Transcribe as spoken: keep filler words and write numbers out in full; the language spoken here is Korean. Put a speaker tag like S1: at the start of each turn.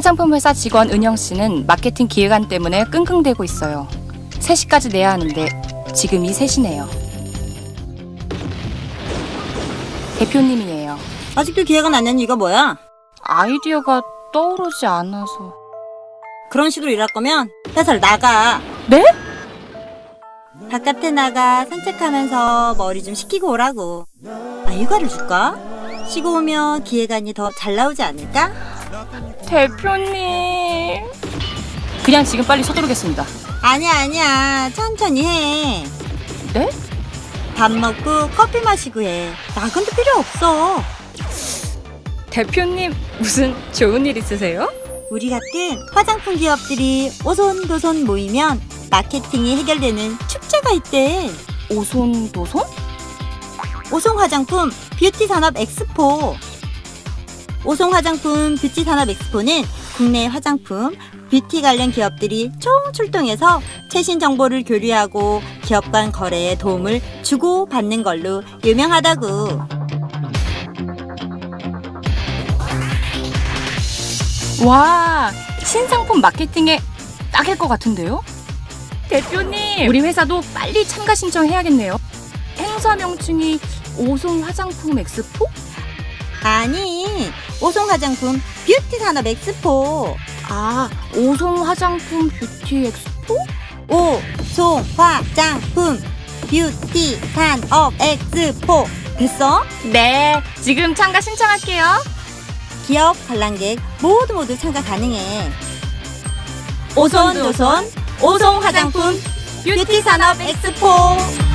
S1: 화장품 회사 직원 은영 씨는 마케팅 기획안 때문에 끙끙대고 있어요. 세 시까지 내야 하는데 지금이 세 시네요. 대표님이에요.
S2: 아직도 기획안 안 낸 이유가 뭐야?
S1: 아이디어가 떠오르지 않아서.
S2: 그런 식으로 일할 거면 회사를 나가.
S1: 네?
S2: 바깥에 나가 산책하면서 머리 좀 식히고 오라고. 아, 휴가를 줄까? 쉬고 오면 기획안이 더 잘 나오지 않을까?
S1: 대표님. 그냥 지금 빨리 서두르겠습니다.
S2: 아니야 아니야 천천히 해.
S1: 네?
S2: 밥 먹고 커피 마시고 해. 야근도 필요 없어.
S1: 대표님 무슨 좋은 일 있으세요?
S2: 우리 같은 화장품 기업들이 오손도손 모이면 마케팅이 해결되는 축제가 있대.
S1: 오손도손?
S2: 오송 화장품 뷰티 산업 엑스포. 오송 화장품 뷰티 산업 엑스포는 국내 화장품, 뷰티 관련 기업들이 총 출동해서 최신 정보를 교류하고 기업 간 거래에 도움을 주고 받는 걸로 유명하다고.
S1: 와, 신상품 마케팅에 딱일 것 같은데요? 대표님, 우리 회사도 빨리 참가 신청해야겠네요. 행사 명칭이 오송 화장품 엑스포?
S2: 아니, 오송 화장품 뷰티 산업 엑스포.
S1: 아, 오송 화장품 뷰티 엑스포?
S2: 오송 화장품 뷰티 산업 엑스포. 됐어?
S1: 네, 지금 참가 신청할게요.
S2: 기업 관람객 모두 모두 참가 가능해. 오손도손 오송 화장품 뷰티 산업 엑스포.